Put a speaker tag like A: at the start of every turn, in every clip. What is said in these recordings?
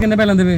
A: ਕਿੰਨੇ ਪੈ ਲੈਂਦੇ ਵੇ?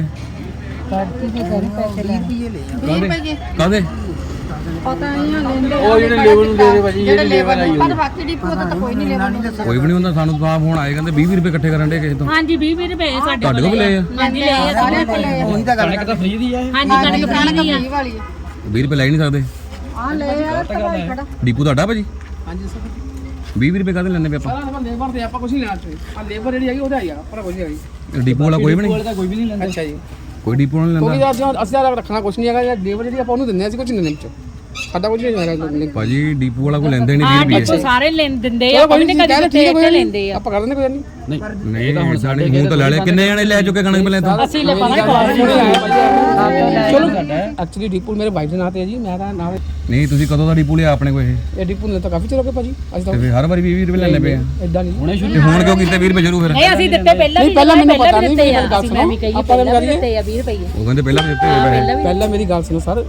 A: ਕਾਹਦੇ?
B: ਪਤਾ ਨਹੀਂ ਲੈਂਦੇ
C: ਉਹ ਜਿਹੜੇ ਲੇਬਰ ਨੂੰ ਦੇ ਦੇ ਭਾਜੀ,
B: ਜਿਹੜੇ ਲੇਬਰ ਨੂੰ, ਪਰ ਬਾਕੀ ਡਿਪੂ ਦਾ ਤਾਂ ਕੋਈ ਨਹੀਂ ਲੇਬਰ ਨੂੰ
A: ਕੋਈ ਵੀ ਨਹੀਂ ਹੁੰਦਾ। ਸਾਨੂੰ ਤਾਂ ਫੋਨ ਆਏ ਕਹਿੰਦੇ 20 ਰੁਪਏ ਇਕੱਠੇ ਕਰਨ ਦੇ ਕਿਸੇ ਤੋਂ।
D: ਹਾਂਜੀ 20 ਰੁਪਏ ਸਾਡੇ
A: ਤੁਹਾਡੇ ਕੋਲ ਲਏ ਆ?
D: ਹਾਂਜੀ ਲਏ ਆ
B: ਸਾਰੇ ਕੋਲ
C: ਉਹੀ ਤਾਂ ਗੱਲ ਹੈ, ਤਾਂ ਫ੍ਰੀ ਦੀ ਆ ਇਹ।
D: ਹਾਂਜੀ ਕਣਕ ਫ੍ਰੀ ਦੀ ਆ।
B: ਵਾਲੀ
A: 20 ਰੁਪਏ ਲੈ ਹੀ ਨਹੀਂ ਸਕਦੇ।
B: ਆ ਲੈ ਆ ਖੜਾ
A: ਡੀਪੂ ਤੁਹਾਡਾ ਭਾਜੀ?
C: ਹਾਂਜੀ ਸਰ
A: 20 ਰੁਪਏ ਕਾਹਦੇ ਲੈਣੇ ਪਏ ਆਪਾਂ?
C: ਸਾਰਾ ਲੇਬਰ ਤੇ ਆਪਾਂ ਕੁਝ ਨਹੀਂ ਲੈਣਾ ਚਾਹੀਏ। ਆ ਲੇਬਰ ਜਿਹੜੀ ਹੈਗੀ ਉਹਦਾ ਹੈਗਾ, ਪਰ ਕੁਝ ਨਹੀਂ ਹੈਗੀ।
A: ਡੀਪੂ ਵਾਲਾ ਕੋਈ ਵੀ ਨਹੀਂ?
C: ਕੋਈ ਵੀ ਨਹੀਂ ਲੈਂਦਾ। ਅੱਛਾ ਜੀ,
A: ਕੋਈ ਡੀਪੂ ਵਾਲਾ ਨਹੀਂ
C: ਕਿਉਂਕਿ
A: ਲੈਂਦਾ?
C: ਅਸੀਂ ਰੱਖਣਾ ਕੁਝ ਨਹੀਂ ਹੈਗਾ। ਯਾਰ ਲੇਬਰ ਜਿਹੜੀ ਆਪਾਂ ਉਹਨੂੰ ਦਿੰਦੇ, ਅਸੀਂ ਕੁਝ ਨਹੀਂ ਦਿੰਦੇ ਵਿੱਚ। ਸਾਡਾ ਕੁਝ ਨਹੀਂ ਹੈਗਾ
A: ਭਾਜੀ ਡੀਪੂ ਵਾਲਾ ਕੋਈ ਲੈਂਦੇ ਨਹੀਂ 20
D: ਹਾਂ
A: ਰੁਪਏ।
D: ਡਿਪੂ ਸਾਰੇ ਦਿੰਦੇ ਆ, ਕੋਈ ਨਹੀਂ ਕਦੀ ਲੈਂਦੇ ਆ।
C: ਆਪਾਂ ਕਰ ਦਿੰਦੇ ਕੋਈ ਨਹੀਂ।
A: ਨਹੀਂ ਹੁਣ ਸਾਡੇ ਮੂੰਹ ਤੋਂ ਲੈ ਲਿਆ। ਕਿੰਨੇ ਜਣੇ ਲੈ ਚੁੱਕੇ ਕਣਕ ਪਹਿਲਾਂ ਤਾਂ?
D: ਅਸੀਂ ਲੈ ਪਾਵਾਂਗੇ
C: ਚਲੋ ਐਕਚੁਅਲੀ ਡੀਪੂ ਮੇਰੇ ਭਾਈ ਦੇ ਨਾਂ ਤੇ ਹੈ ਜੀ, ਮੈਂ ਤਾਂ ਨਾਲ
A: ਨਹੀਂ ਤੁਸੀਂ ਕਦੋਂ ਦਾ ਡੀਪੂ ਲਿਆ ਆਪਣੇ ਕੋਲ ਇਹ?
C: ਇਹ ਡੀਪੂ ਨੇ ਤਾਂ ਕਾਫੀ ਚਿਰ ਹੋ ਗਿਆ ਭਾਜੀ। ਅਸੀਂ
A: ਤੇ
C: ਤਾਂ
A: ਫਿਰ ਹਰ ਵਾਰੀ 20 ਰੁਪਏ ਲੈਣੇ ਪਏ ਆ?
C: ਇਦਾਂ ਨਹੀਂ
A: ਤੇ ਹੁਣ ਕਿਉਂ ਕੀਤੇ 20 ਰੁਪਏ ਸ਼ੁਰੂ ਫਿਰ?
D: ਨਹੀਂ ਅਸੀਂ ਦਿੱਤੇ ਪਹਿਲਾਂ ਵੀ,
C: ਪਹਿਲਾਂ ਮੈਨੂੰ ਪਤਾ
D: ਦਿੱਤੇ
C: ਨਹੀਂ,
D: ਆ।
C: ਮੇਰੀ ਗੱਲ
D: ਅਸੀਂ
C: ਸੁਣੋ,
D: ਮੈਂ ਵੀ ਕਹੀ
C: ਆਪਾਂ
D: ਪਹਿਲਾਂ
C: ਗੱਲ
D: ਵੀ ਦਿੱਤੇ ਆ 20 ਰੁਪਏ।
A: ਉਹ ਕਹਿੰਦੇ ਪਹਿਲਾਂ ਵੀ ਦਿੱਤੇ ਹੋਏ ਪੈਸੇ।
C: ਪਹਿਲਾਂ ਮੇਰੀ ਗੱਲ ਸੁਣੋ ਸਰ।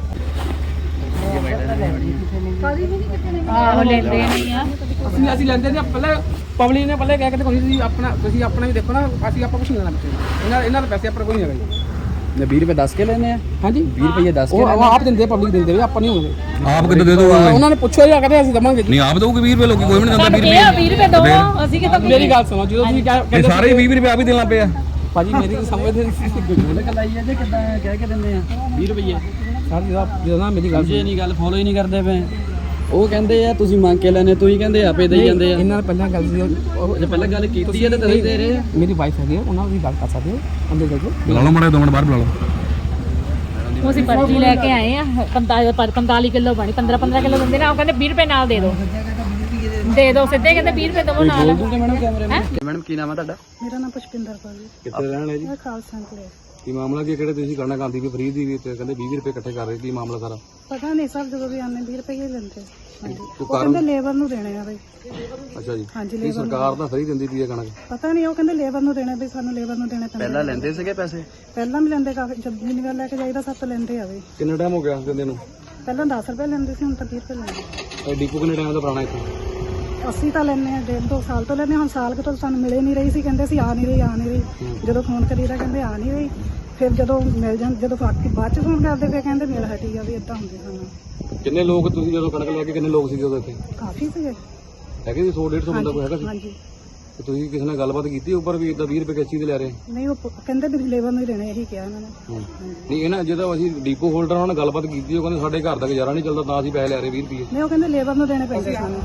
D: ਆਹੋ ਲੈਂਦੇ ਨਹੀਂ ਆ।
C: ਅਸੀਂ ਲੈਂਦੇ ਨੇ ਪਹਿਲਾਂ ਪਬਲਿਕ ਨੇ ਪਹਿਲਾਂ ਕਹਿ ਕੇ ਤੁਸੀਂ ਆਪਣਾ ਵੀ ਦੇਖੋ ਨਾ। ਅਸੀਂ ਆਪਾਂ ਕੁਝ ਨਹੀਂ ਲੈਣਾ ਬੱਚੇ ਇਹਨਾਂ ਦੇ ਪੈਸੇ ਆਪਾਂ ਕੋਈ ਨਹੀਂ ਹੈਗਾ ਜੀ।
E: ਨੇ 20 ਰੁਪਏ ਦੱਸ ਕੇ ਲੈਨੇ ਆ।
C: ਹਾਂਜੀ
E: 20 ਰੁਪਏ ਦੱਸ ਕੇ
C: ਉਹ ਆਪ ਦਿੰਦੇ, ਪਬਲਿਕ ਦਿੰਦੇ, ਆਪਾਂ ਨਹੀਂ ਹੋਣਗੇ।
A: ਆਪ ਕਿੱਦਾਂ ਦੇ ਦੋਗੇ?
C: ਉਹਨਾਂ ਨੇ ਪੁੱਛਿਆ ਜਾਂ ਕਹਿੰਦੇ ਅਸੀਂ ਦਵਾਂਗੇ ਜੀ।
A: ਨਹੀਂ ਆਪ ਦਊਗੀ 20 ਰੁਪਏ। ਲੋਕੀ ਕੋਈ ਵੀ ਨਹੀਂ ਦਿੰਦਾ 20
D: ਇਹ
A: ਰੁਪਏ।
D: 20 ਰੁਪਏ ਦੋ ਅਸੀਂ ਕਿਥੋਂ
C: ਮੇਰੀ ਗੱਲ ਸੁਣੋ, ਜਦੋਂ ਤੁਸੀਂ
A: ਇਹ
C: ਕਹਿੰਦੇ
A: ਸਾਰੇ 20 ਰੁਪਏ ਆਪ ਹੀ ਦੇਣਾ ਪਿਆ।
C: ਭਾਜੀ ਮੇਰੀ ਸਮਝਦੇ
E: ਉਹਨੇ ਕਲਾਈ ਆ ਜੇ ਕਿਦਾਂ ਕਹਿ ਕੇ ਦਿੰਦੇ ਆ 20 ਰੁਪਏ।
C: ਸਰ ਜਦੋਂ ਨਾ ਮੇਰੀ ਗੱਲ
E: ਜੇ ਨਹੀਂ ਗੱਲ ਫੋਲੋ ਹੀ ਨਹੀਂ ਕਰਦੇ ਪਏ। ਉਹ ਕਹਿੰਦੇ ਆ ਤੁਸੀਂ ਮੰਗ ਕੇ ਲੈਨੇ, ਤੁਸੀਂ ਕਹਿੰਦੇ ਆਪੇ ਦੇਈ ਜਾਂਦੇ ਆ।
C: ਇਹਨਾਂ ਨੇ ਪਹਿਲਾਂ ਗੱਲ ਸੀ,
E: ਜੇ ਪਹਿਲਾਂ ਗੱਲ ਕੀਤੀ ਹੈ ਤਾਂ ਤੁਸੀਂ ਦੇ ਰਹੇ ਆ।
C: ਮੇਰੀ ਵਾਈਫ ਹੈਗੀ, ਉਹਨਾਂ ਦੀ ਗੱਲ ਕਰ ਸਕਦੇ ਹੋ ਅੰਦਰ ਜਾ ਕੇ।
A: ਬੁਲਾ ਲਓ ਮਾੜੇ 2 ਮਿੰਟ ਬਾਹਰ ਬੁਲਾ ਲਓ।
D: ਅਸੀਂ ਪਰਚੀ ਲੈ ਕੇ ਆਏ ਆ 45 ਕਿਲੋ ਬਣੀ 15 ਕਿਲੋ ਦਿੰਦੇ ਨੇ। ਉਹ ਕਹਿੰਦੇ 20 ਰੁਪਏ ਨਾਲ ਦੇ ਦਿਓ ਸਿੱਧੇ ਕਹਿੰਦੇ 20 ਰੁਪਏ ਦਵੋ ਨਾਲ।
E: ਮੈਡਮ ਕੈਮਰੇ ਮੈਡਮ ਕੀ ਨਾਮ ਹੈ ਤੁਹਾਡਾ?
B: ਮੇਰਾ ਨਾਮ ਪੁਸ਼ਪਿੰਦਰ ਕੌਰ ਜੀ,
A: ਕਿੱਥੇ ਰਹਿਣ ਵਾਲੇ ਜੀ?
B: ਮੈਂ ਖਾਲਸਾ ਕੋਲੇ।
A: ਕੀ ਮਾਮਲਾ ਕੀ ਕਿਹੜੇ ਤੁਸੀਂ ਕਰਨਾ ਕਾਂਦੀ ਵੀ ਫ੍ਰੀ ਦੀ ਵੀ ਤੇ ਕਹਿੰਦੇ 20 ਰੁਪਏ ਇਕੱਠੇ ਕਰ ਰਹੇ ਕੀ ਮਾਮਲਾ ਸਾਰਾ?
B: ਪਤਾ ਨਹੀਂ ਸਰ, ਜਦੋਂ ਵੀ ਆਨੇ 20 ਰੁਪਏ ਹੀ ਲੈਂਦੇ। ਹਾਂਜੀ
A: ਕੋਈ
B: ਉਹ
A: ਕਾਰਨ?
B: ਕਹਿੰਦੇ ਲੇਬਰ ਨੂੰ ਦੇਣੇ ਆ ਬਈ।
A: ਅੱਛਾ ਜੀ।
B: ਹਾਂਜੀ
A: ਕੀ
B: ਲੇਬਰ
A: ਸਰਕਾਰ ਤਾਂ ਫ੍ਰੀ ਦਿੰਦੀ ਪਈ ਹੈ ਕਣਕ?
B: ਪਤਾ ਨਹੀਂ, ਉਹ ਕਹਿੰਦੇ ਲੇਬਰ ਨੂੰ ਦੇਣੇ ਬਈ, ਸਾਨੂੰ ਲੇਬਰ ਨੂੰ ਦੇਣੇ ਪੈਂਦੇ।
E: ਪਹਿਲਾਂ ਲੈਂਦੇ ਸੀਗੇ ਪੈਸੇ?
B: ਪਹਿਲਾਂ ਵੀ ਲੈਂਦੇ, ਕਾਫੀ ਜਦ ਜਿੰਨੀ ਵਾਰ ਲੈ ਕੇ ਜਾਈਦਾ ਸਭ ਤੋਂ ਲੈਂਦੇ ਆ ਬਈ।
A: ਕਿੰਨਾ ਟਾਈਮ ਹੋ ਗਿਆ ਦਿੰਦੇ ਨੂੰ?
B: ਪਹਿਲਾਂ 10 ਰੁਪਏ ਲੈਂਦੇ ਸੀ, ਹੁਣ ਤਾਂ 20 ਰੁਪਏ ਲੈਂਦੇ।
A: ਇਹ ਡੀਪੂ ਕਿੰਨੇ ਟਾਈਮ ਦਾ ਪੁਰਾਣਾ ਇੱਥੇ?
B: ਅਸੀਂ ਤਾਂ ਲੈਂਦੇ ਆ 1.5-2 ਸਾਲ ਤੋਂ ਲੈਂਦੇ। ਹੁਣ ਸਾਲ ਕੁ ਤੋਂ ਸਾਨੂੰ ਮਿਲੇ ਨਹੀਂ ਰਹੀ ਸੀ, ਕਹਿੰਦੇ ਸੀ ਆ ਨਹੀਂ ਰਹੀ। ਜਦੋਂ ਫੋਨ ਕਰੀਦਾ ਕਹਿੰਦੇ ਆ ਨਹੀਂ ਰਹੀ। ਫਿਰ ਜਦੋਂ ਮਿਲ ਜਾਂ ਜਦੋਂ ਬਾਅਦ ਚ ਫੋਨ ਕਰਦੇ ਫਿਰ ਕਹਿੰਦੇ ਮਿਲ ਹਟੀ ਆ ਵੀ ਇਦਾਂ ਹੁੰਦੇ ਸਾਨੂੰ।
A: ਕਿੰਨੇ ਲੋਕ ਤੁਸੀਂ ਜਦੋਂ ਕਣਕ ਲੈ ਕੇ ਕਿੰਨੇ ਲੋਕ ਸੀਗੇ ਉਦੋਂ ਇੱਥੇ?
B: ਕਾਫੀ ਸੀਗੇ।
A: ਹੈਗੇ ਸੀ 100-150 ਬੰਦਾ ਕੋਈ ਹੈਗਾ ਸੀ?
B: ਹਾਂਜੀ
A: ਤੇ ਤੁਸੀਂ ਕਿਸੇ ਨਾਲ ਗੱਲਬਾਤ ਕੀਤੀ ਉੱਪਰ ਵੀ ਇਦਾਂ 20 ਰੁਪਏ ਕਿਸ ਚੀਜ਼ ਦੇ ਲੈ ਰਹੇ?
B: ਨਹੀਂ, ਉਹ ਕਹਿੰਦੇ ਵੀ ਲੇਬਰ ਨੂੰ ਹੀ ਦੇਣੇ, ਇਹੀ ਕਿਹਾ ਉਹਨਾਂ ਨੇ।
A: ਨਹੀਂ ਇਹਨਾਂ ਜਦੋਂ ਅਸੀਂ ਡੀਪੋ ਹੋਲਡਰ ਨਾਲ ਗੱਲਬਾਤ ਕੀਤੀ ਉਹ ਕਹਿੰਦੇ ਸਾਡੇ ਘਰ ਦਾ ਗੁਜ਼ਾਰਾ ਨਹੀਂ ਚੱਲਦਾ ਤਾਂ ਅਸੀਂ ਪੈਸੇ ਲੈ ਰਹੇ 20 ਰੁਪਏ।
B: ਨਹੀਂ, ਉਹ ਕਹਿੰਦੇ ਲੇਬਰ ਨੂੰ ਦੇਣੇ ਪੈਂਦੇ ਸਾਨੂੰ।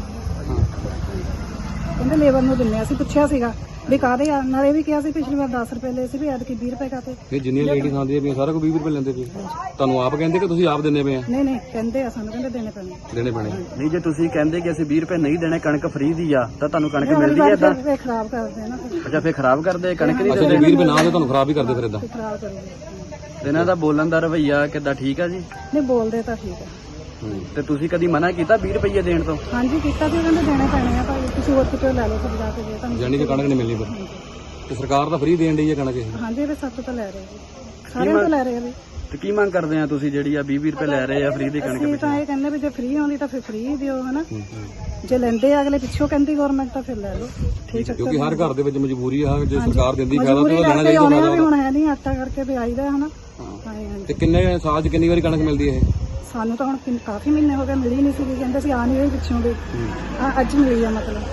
B: ਕਹਿੰਦੇ ਲੇਬਰ ਨੂੰ ਦਿੰਨੇ। ਅਸੀਂ ਪੁੱਛਿਆ ਸੀਗਾ ਵੀ ਕਾਹਦੇ ਆ, ਨਾਲ ਇਹ ਵੀ ਕਿਹਾ ਸੀ ਪਿਛਲੀ ਵਾਰ 10 ਰੁਪਏ ਲਏ ਸੀ ਵੀ ਐਤਕੀ 20 ਰੁਪਏ ਕਾਤੇ।
A: ਇਹ ਜਿੰਨੀਆਂ ਲੇਡੀਜ਼ ਆਉਂਦੀਆਂ ਪਈਆਂ ਸਾਰਾ ਕੋਈ 20 ਰੁਪਏ ਲੈਂਦੇ ਪਏ। ਤੁਹਾਨੂੰ ਆਪ ਕਹਿੰਦੇ ਕਿ ਤੁਸੀਂ ਆਪ ਦਿੰਦੇ ਪਏ ਆ?
B: ਨਹੀਂ ਕਹਿੰਦੇ ਆ ਸਾਨੂੰ, ਕਹਿੰਦੇ ਦੇਣੇ ਪੈਣੇ।
A: ਦੇਣੇ ਪੈਣੇ।
E: ਨਹੀਂ ਜੇ ਤੁਸੀਂ ਕਹਿੰਦੇ ਕਿ ਅਸੀਂ 20 ਰੁਪਏ ਨਹੀਂ ਦੇਣੇ, ਕਣਕ ਫ੍ਰੀ ਦੀ ਆ, ਤਾਂ ਤੁਹਾਨੂੰ ਕਣਕ ਮਿਲਦੀ ਹੈ ਇਦਾਂ?
B: ਫਿਰ ਖਰਾਬ ਕਰਦੇ ਆ ਨਾ, ਫਿਰ
E: ਅੱਛਾ ਫਿਰ ਖਰਾਬ ਕਰਦੇ ਕਣਕ ਨਹੀਂ
A: ਅੱਛਾ ਜੇ 20 ਰੁਪਏ ਨਾ ਦੇ ਤੁਹਾਨੂੰ ਖਰਾਬ ਹੀ ਕਰਦੇ ਫਿਰ ਇਦਾਂ?
B: ਖਰਾਬ ਕਰਦੇ।
E: ਇਹਨਾਂ ਦਾ ਬੋਲਣ ਦਾ ਰਵੱਈਆ ਕਿੱਦਾਂ ਠੀਕ ਆ ਜੀ?
B: ਨਹੀਂ ਬੋਲਦੇ ਤਾਂ ਠੀਕ ਆ।
E: ਤੇ ਤੁਸੀਂ ਕਦੀ ਮਨਾ ਕੀਤਾ 20 ਰੁਪਏ ਦੇਣ ਤੋਂ?
B: ਹਾਂਜੀ ਕੀਤਾ ਸੀ, ਕਹਿੰਦੇ ਦੇਣੇ ਪੈਣੇ ਆ ਭਾਈ, ਤੁਸੀਂ ਹੋਰ ਕਿਤੇ ਲੈ ਲਓ ਫਿਰ ਜਾ ਕੇ ਦੇ ਤੁਹਾਨੂੰ।
A: ਯਾਨੀ ਕਿ ਕਣਕ ਨਹੀਂ ਮਿਲਣੀ ਫਿਰ? ਤੇ ਸਰਕਾਰ ਤਾਂ ਫ੍ਰੀ ਦੇਣ ਡਈ ਹੈ ਕਣਕ ਇਹ?
B: ਹਾਂਜੀ ਇਹ ਸਭ ਤੋਂ ਲੈ ਰਹੇ ਜੀ, ਸਾਰਿਆਂ ਤੋਂ ਲੈ ਰਹੇ ਆ ਵੀ।
E: ਤੇ ਕੀ ਮੰਗ ਕਰਦੇ ਆ ਤੁਸੀਂ ਜਿਹੜੀ ਆ 20 ਰੁਪਏ ਲੈ ਰਹੇ ਆ ਫ੍ਰੀ ਦੀ ਕਣਕ
B: ਅਸੀਂ
E: ਵਿੱਚ?
B: ਤਾਂ ਇਹ ਕਹਿੰਦੇ ਵੀ ਜੇ ਫ੍ਰੀ ਆਉਂਦੀ ਤਾਂ ਫਿਰ ਫ੍ਰੀ ਦਿਓ ਹਨਾ। ਜੇ ਲੈਂਦੇ ਆ ਅਗਲੇ ਪਿੱਛੋਂ ਕਹਿੰਦੀ ਗਵਰਨਮੈਂਟ ਤਾਂ ਫਿਰ ਲੈ ਲਓ। ਠੀਕ ਹੈ,
A: ਕਿਉਂਕਿ ਹਰ ਘਰ ਦੇ ਵਿੱਚ ਮਜਬੂਰੀ ਆ, ਜੇ ਸਰਕਾਰ ਦਿੰਦੀ ਫਾਇਦਾ ਤਾਂ
B: ਮਜਬੂਰੀ
A: ਉਹ ਲੈਣਾ
B: ਕਰਕੇ ਆਉਣੇ ਆ ਵੀ
A: ਚਾਹੀਦਾ।
B: ਹੁਣ ਹੈ ਨਹੀਂ, ਆਟਾ ਕਰਕੇ ਵੀ ਆਈਦਾ ਹਨਾ। ਹਾਂਜੀ
A: ਤੇ ਕਿੰਨੇ ਸਾਲ 'ਚ ਕਿੰਨੀ ਵਾਰੀ ਕਣਕ ਮਿਲਦੀ ਹੈ ਇਹ?
B: ਸਾਨੂੰ ਤਾਂ ਹੁਣ ਕਾਫੀ ਮਹੀਨੇ ਹੋ ਗਏ ਮਿਲੀ ਨਹੀਂ ਸੀ, ਕਹਿੰਦੇ ਸੀ ਆ ਨਹੀਂ ਰਹੀ ਪਿੱਛੋਂ ਵੀ। ਅੱਜ ਮਿਲੀ ਆ ਮਤਲਬ।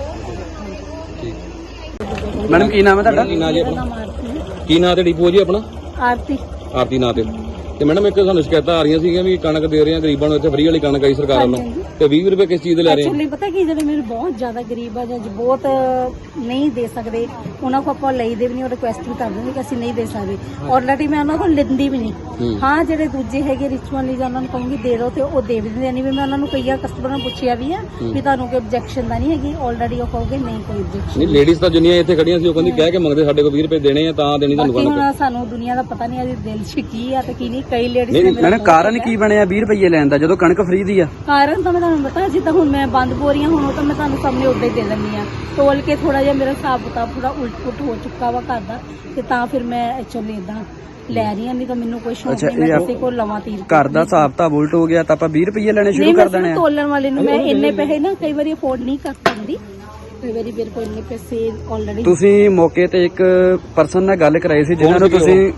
E: ਮੈਡਮ ਕੀ ਨਾਮ ਹੈ ਤੁਹਾਡਾ?
A: ਕੀ ਨਾਂ ਜੀ ਆਪਣਾ? ਕੀ ਨਾਂ ਤੇ ਡੀਪੂ ਜੀ ਆਪਣਾ?
B: ਆਰਤੀ।
A: ਆਰਤੀ ਨਾਂ ਤੇ ਮੈਡਮ ਇੱਕ ਸਾਨੂੰ ਸ਼ਿਕਾਇਤਾਂ ਆ ਰਹੀਆਂ ਸੀਗੀਆਂ ਵੀ ਕਣਕ ਦੇ ਰਹੇ ਆ ਗਰੀਬਾਂ ਨੂੰ, ਇੱਥੇ ਫ੍ਰੀ ਵਾਲੀ ਕਣਕ ਆਈ ਸਰਕਾਰ ਵੱਲੋਂ, ਤੇ 20 ਰੁਪਏ ਕਿਸ ਚੀਜ਼ ਦੇ ਲੈ ਰਹੇ ਆ?
F: ਐਕਚੁਅਲੀ ਪਤਾ ਕੀ, ਜਿਹੜੇ ਮੇਰੇ ਬਹੁਤ ਜ਼ਿਆਦਾ ਗਰੀਬ ਆ ਜਾਂ ਬਹੁਤ ਨਹੀਂ ਦੇ ਸਕਦੇ, ਉਹਨਾਂ ਕੋ ਆਪਾਂ ਲਈਦੇ ਵੀ ਨਹੀਂ, ਉਹ ਰਿਕੁਐਸਟ ਵੀ ਕਰਦੇ ਨੇ ਕਿ ਅਸੀਂ ਨਹੀਂ ਦੇ ਸਕਦੇ। ਆਲਰੇਡੀ ਮੈਂ ਉਹਨਾਂ ਕੋਲ ਲੈਂਦੀ ਵੀ ਨਹੀਂ। ਹਾਂ ਜਿਹੜੇ ਦੂਜੇ ਹੈਗੇ ਰਿਚੁਅਲ ਲਈ ਜਾਂ ਉਹਨਾਂ ਨੂੰ ਕਹੂੰਗੀ ਦੇ ਦਿਓ ਤੇ ਉਹ ਦੇ ਵੀ ਦਿੰਦੇ ਨਹੀਂ। ਵੀ ਮੈਂ ਉਹਨਾਂ ਨੂੰ ਕਈਆਂ ਕਸਟਮਰਾਂ ਨੂੰ ਪੁੱਛਿਆ ਵੀ ਆ ਵੀ ਤੁਹਾਨੂੰ ਕੋਈ ਆਬਜੈਕਸ਼ਨ ਤਾਂ ਨਹੀਂ ਹੈਗੀ, ਆਲਰੇਡੀ ਉਹ ਕਹੋਗੇ ਨਹੀਂ ਕੋਈ ਆਬਜੈਕਸ਼ਨ
A: ਨਹੀਂ ਲੇਡੀਜ਼ ਤਾਂ ਜਿੰਨੀਆਂ ਇੱਥੇ ਖੜੀਆਂ ਸੀ ਉਹ ਕਹਿੰਦੀ ਕਹਿ ਕੇ ਮੰਗਦੇ ਸਾਡੇ ਕੋਲ 20 ਰੁਪਏ ਦੇਣੇ ਆ ਤਾਂ ਦੇਣੀ ਤੁਹਾਨੂੰ
F: ਬਾਕੀ
A: ਕਣਕ।
F: ਹੁਣ ਸਾਨੂੰ ਦੁਨੀਆ ਦਾ ਪਤਾ ਨਹੀਂ, ਇਹਦੇ ਦਿਲ 'ਚ ਕੀ ਆ ਤੇ ਕੀ ਨਹੀਂ। ਕਈ ਲੇਡੀਜ਼
E: ਮੈਡਮ ਕਾਰਨ ਕੀ ਬਣਿਆ 20 ਰੁਪਏ ਲੈਣ ਦਾ ਜਦੋਂ ਕਣਕ ਫ੍ਰੀ ਦੀ ਆ?
F: ਕਾਰਨ ਤਾਂ ਮੈਂ ਤੁਹਾਨੂੰ ਪਤਾ, ਜਿੱਦਾਂ ਹੁਣ ਮੈਂ ਬੰਦ ਬੋਰੀਆਂ ਹੁਣ ਉਹ ਤਾਂ ਮੈਂ ਤੁਹਾਨੂੰ ਸਾਹਮਣੇ ਉੱਦਾਂ ਹੀ ਦੇ ਦਿੰਦੀ ਆ। ਤੋਲ ਕੇ ਥੋੜਾ ਜਿਹਾ ਮੇਰਾ ਹਿਸਾਬ ਕਿਤਾਬ ਥੋੜਾ ਉਲਟ-ਪੁਲਟ ਹੋ ਚੁੱਕਾ ਵਾ ਘਰ ਦਾ, ਤੇ ਤਾਂ ਫਿਰ ਮੈਂ ਐਕਚੁਅਲੀ ਇਦਾਂ ਲੈ ਰਹੀ ਆ। ਨਹੀਂ ਤਾਂ ਮੈਨੂੰ ਕੋਈ ਸ਼ੌਕ ਨਹੀਂ ਮੈਂ ਕਿਸੇ ਕੋਲ ਲਵਾਂ ਤੀਰ।
E: ਘਰ ਦਾ ਹਿਸਾਬ ਤਾਂ ਉਲਟ ਹੋ ਗਿਆ ਤਾਂ ਆਪਾਂ 20 ਰੁਪਏ ਲੈਣੇ ਸ਼ੁਰੂ ਕਰ ਦੇਣੇ ਆ?
F: ਤੋਲਣ ਵਾਲੇ ਨੂੰ ਮੈਂ ਇੰਨੇ ਪੈਸੇ ਨਾ ਕਈ ਵਾਰੀ ਅਫੋਰਡ ਨਹੀਂ ਕਰ ਸਕਦੀ, ਕਈ ਵਾਰੀ ਮੇਰੇ ਕੋਲ ਇੰਨੇ ਪੈਸੇ ਆਲਰੇਡੀ।
E: ਤੁਸੀਂ ਮੌਕੇ ਤੇ ਇੱਕ ਪਰਸਨ ਨਾਲ ਗੱਲ ਕਰਾਈ ਸੀ ਜਿਨ੍ਹਾਂ ਨੂੰ ਤੁਸੀਂ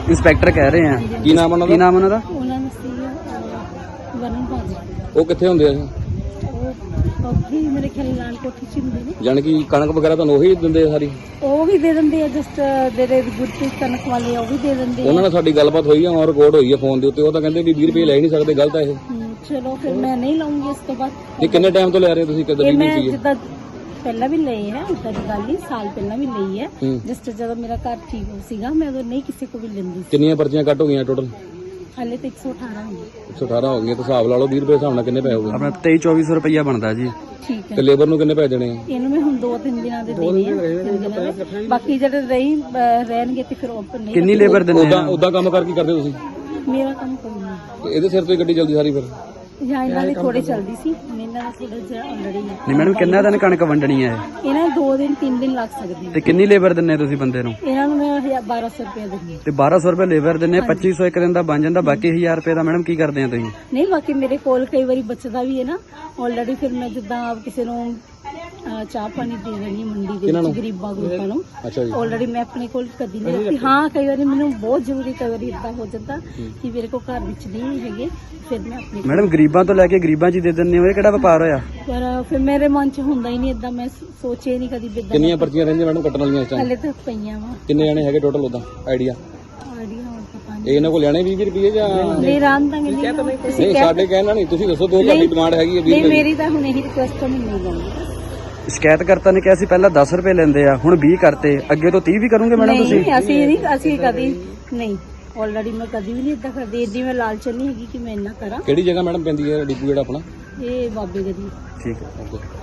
E: ਇੰਸਪੈਕਟਰ ਕਹਿ ਰਹੇ ਆ।
A: ਕੀ ਨਾਮ ਉਹਨਾਂ
E: ਕੀ
A: ਦਾ?
E: ਨਾਮ ਉਹਨਾਂ ਦਾ?
F: ਉਹਨਾਂ ਨੂੰ ਸੀ ਵਰਨ ਭਾਜੀ,
A: ਉਹ ਕਿੱਥੇ ਹੁੰਦੇ ਆ?
F: ਉਹ ਵੀ ਮੇਰੇ ਖਿਆਲ ਨਾਲ ਕੋਠੀ ਚ ਹੁੰਦੇ ਨੇ।
A: ਜਾਣੀ ਕਿ ਕਣਕ ਵਗੈਰਾ ਤੁਹਾਨੂੰ ਉਹੀ ਦਿੰਦੇ ਆ ਸਾਰੀ?
F: ਉਹ ਵੀ ਦੇ ਦਿੰਦੇ ਆ, ਜਸਟ ਜਿਹੜੇ ਗੁਰਪ੍ਰੀਤ ਕਣਕ ਵਾਲੇ ਆ, ਉਹ ਵੀ ਦੇ ਦਿੰਦੇ ਆ।
A: ਉਹਨਾਂ ਨਾਲ ਸਾਡੀ ਗੱਲਬਾਤ ਹੋਈ ਆ, ਔਰ ਰਿਕਾਰਡ ਹੋਈ ਆ ਫੋਨ ਦੇ ਉੱਤੇ। ਉਹ ਤਾਂ ਕਹਿੰਦੇ ਵੀ 20 ਰੁਪਏ ਲੈ ਹੀ ਨਹੀਂ ਸਕਦੇ, ਗਲਤ ਆ ਇਹ।
F: ਚਲੋ ਫਿਰ ਮੈਂ ਨਹੀਂ ਲਾਉਂਗੀ ਇਸ ਤੋਂ ਬਾਅਦ।
A: ਇਹ ਕਿੰਨੇ ਟਾਈਮ ਤੋਂ ਲੈ ਰਹੇ ਹੋ ਤੁਸੀਂ? ਕਦੇ
F: ਇਹ
A: ਵੀ
F: ਮੈਂ
A: ਨਹੀਂ ਸੀ?
F: ਜਿੱਦਾਂ ਪਹਿਲਾਂ ਵੀ ਲਏ ਹੈ, ਉਦਾਂ ਦੀ ਗੱਲ ਨਹੀਂ, ਸਾਲ ਪਹਿਲਾਂ ਵੀ ਲਈ ਹੈ।
A: ਹੂੰ।
F: ਜਸਟ ਜਦੋਂ ਮੇਰਾ ਘਰ ਠੀਕ ਸੀਗਾ ਮੈਂ ਉਦੋਂ ਨਹੀਂ ਕਿਸੇ ਕੋ ਵੀ ਲੈਂਦੀ ਸੀ।
A: ਕਿੰਨੀਆਂ ਪਰਚੀਆਂ ਕੱਟ ਹੋ ਗਈਆਂ ਟੋਟਲ?
F: ਹਾਲੇ ਤਾਂ 118 ਹੋਈ
A: 118 ਹੋ ਗਈਆਂ, ਤਾਂ ਹਿਸਾਬ ਲਾ ਲਓ 20 ਰੁਪਏ ਹਿਸਾਬ ਨਾਲ ਕਿੰਨੇ ਪੈਸੇ ਹੋ ਗਏ?
E: ਆਪਣਾ 23-2400 ਰੁਪਈਆ ਬਣਦਾ ਜੀ।
F: ਠੀਕ
A: ਤੇ
F: ਹੈ।
A: ਲੇਬਰ ਨੂੰ ਕਿੰਨੇ ਪੈਸੇ ਦੇਣੇ ਆ?
F: ਇਹਨੂੰ ਮੈਂ ਹੁਣ 2-3 ਦਿਨਾਂ ਦੇ ਦੇਣੇ ਆ, 3 ਦਿਨਾਂ ਦੇ। ਬਾਕੀ ਜਿਹੜੇ ਰਹਿਣਗੇ ਤੇ ਫਿਰ ਉਹ ਨਹੀਂ।
E: ਕਿੰਨੀ ਲੇਬਰ ਦਿੰਦੇ
A: ਉਦਾਂ
E: ਆ?
A: ਉਦਾਂ ਕੰਮ ਕਰ ਕੀ ਕਰਦੇ ਤੁਸੀਂ?
F: ਮੇਰਾ ਕੰਮ ਕੋਈ ਨਹੀਂ,
A: ਤੇ ਇਹਦੇ ਸਿਰ ਤੋਂ ਹੀ ਗੱਡੀ ਚੱਲਦੀ ਸਾਰੀ ਫਿਰ?
F: ਜਾਂ ਇਹਨਾਂ ਦੀ ਥੋੜੀ ਚੱਲਦੀ ਸੀ, ਹੁਣ ਇਹਨਾਂ ਦਾ ਥੋੜਾ ਜਿਹਾ ਆਲਰੇਡੀ ਹੈ।
E: ਨਹੀਂ ਮੈਡਮ, ਕਿੰਨਾ ਦਿਨ ਕਣਕ ਵੰਡਣੀ ਹੈ?
F: ਇਹਨਾਂ 2 ਦਿਨ 3 ਦਿਨ ਲੱਗ ਸਕਦੇ
E: ਤੇ ਕਿੰਨੀ ਲੇਬਰ ਦਿੰਨੇ ਤੁਸੀਂ ਬੰਦੇ ਨੂੰ?
F: ਇਹਨਾਂ ਨੂੰ ਮੈਂ 1200 ਰੁਪਏ ਦਿੰਦੀ ਹਾਂ।
E: ਤੇ 1200 ਰੁਪਏ ਲੇਬਰ ਦਿੰਨੇ, 2500 ਇੱਕ ਦਿਨ ਦਾ ਬਣ ਜਾਂਦਾ, ਬਾਕੀ 1000 ਰੁਪਏ ਦਾ ਮੈਡਮ ਕੀ ਕਰਦੇ ਆ ਤੁਸੀਂ?
F: ਨਹੀਂ, ਬਾਕੀ ਮੇਰੇ ਕੋਲ ਕਈ ਵਾਰੀ ਬਚਦਾ ਵੀ ਹੈ ਨਾ ਆਲਰੇਡੀ। ਫਿਰ ਮੈਂ ਜਿੱਦਾਂ ਕਿਸੇ ਨੂੰ ਚਾਹ ਪਾਣੀ ਦੇ ਦੇਣੀ ਮੰਡੀ ਦੇ ਵਿੱਚ ਗਰੀਬਾਂ ਗਰੂਪਾਂ ਨੂੰ,
A: ਅੱਛਾ ਜੀ।
F: ਆਲਰੇਡੀ ਮੈਂ ਆਪਣੇ ਕੋਲ ਕਦੀ ਨਹੀਂ ਰੱਖੀ। ਹਾਂ, ਕਈ ਵਾਰੀ ਮੈਨੂੰ ਬਹੁਤ ਜ਼ਰੂਰੀ, ਕਈ ਵਾਰੀ ਇਦਾਂ ਹੋ ਜਾਂਦਾ ਕਿ ਮੇਰੇ ਕੋਲ ਘਰ ਵਿੱਚ ਨਹੀਂ ਹੈਗੇ, ਫਿਰ ਮੈਂ ਆਪਣੇ
E: ਮੈਡਮ ਗਰੀਬਾਂ ਤੋਂ ਲੈ ਕੇ ਗਰੀਬਾਂ 'ਚ ਹੀ ਦੇ ਦਿੰਦੇ ਹੋ, ਇਹ ਕਿਹੜਾ ਵਪਾਰ ਹੋਇਆ?
F: ਪਰ ਫਿਰ ਮੇਰੇ ਮਨ 'ਚ ਹੁੰਦਾ ਹੀ ਨਹੀਂ ਇਦਾਂ, ਮੈਂ ਸੋਚਿਆ ਨਹੀਂ ਕਦੀ ਬਿੱਦਾਂ।
A: ਕਿੰਨੀਆਂ ਪਰਚੀਆਂ ਰਹਿੰਦੀਆਂ ਮੈਡਮ ਕੱਟਣ ਵਾਲੀਆਂ ਇਸ ਟਾਈਮ?
F: ਹਲੇ ਤੱਕ ਪਈਆਂ ਵਾ
A: ਕਿੰਨੇ ਜਾਣੇ ਹੈਗੇ ਟੋਟਲ ਉਦਾਂ ਆਈਡੀਆ?
F: ਆਈਡੀਆ ਹੁਣ ਪਤਾ ਨਹੀਂ।
A: ਇਹ ਇਹਨਾਂ ਕੋਲ ਲੈਣੇ 20 ਰੁਪਏ ਜਾਂ
F: ਨਹੀਂ ਰਾਂ ਤਾਂ ਨਹੀਂ
A: ਨਹੀਂ? ਸਾਡੇ ਕਹਿਣਾ ਨਹੀਂ, ਤੁਸੀਂ ਦੱਸੋ ਦੋ ਤੁਹਾਡੀ ਡਿਮਾਂਡ ਹੈਗੀ ਹੈ 20
F: ਨਹੀਂ,
A: ਰੁਪਏ?
F: ਮੇਰੀ ਤਾਂ ਹੁਣ ਇਹੀ ਰਿਕੁਐਸਟ ਹੈ, ਮੈਂ ਨਹੀਂ ਲਾਉਂਗੀ।
E: ਸ਼ਿਕਾਇਤਕਰਤਾ ਨੇ ਕਿਹਾ ਸੀ ਪਹਿਲਾਂ 10 ਰੁਪਏ ਲੈਂਦੇ ਆ, ਹੁਣ 20 ਕਰਤੇ, ਅੱਗੇ ਤੋਂ 30 ਵੀ ਕਰੋਗੇ ਮੈਡਮ ਤੁਸੀਂ?
F: ਨਹੀਂ, ਅਸੀਂ ਕਦੀ ਨਹੀਂ, ਆਲਰੇਡੀ ਮੈਂ ਕਦੀ ਵੀ ਨਹੀਂ ਇਦਾਂ ਕਰਦੀ। ਏਡੀ ਮੈਂ ਲਾਲਚ ਨਹੀਂ ਹੈਗੀ ਕਿ ਮੈਂ ਇੰਨਾ ਕਰਾਂ।
A: ਕਿਹੜੀ ਜਗ੍ਹਾ ਮੈਡਮ ਪੈਂਦੀ ਹੈ ਡਿਪੂ ਜਿਹੜਾ ਆਪਣਾ?
F: ਇਹ ਬਾਬੇ ਗਦੀ।
E: ਠੀਕ ਹੈ।
A: ਓਕੇ।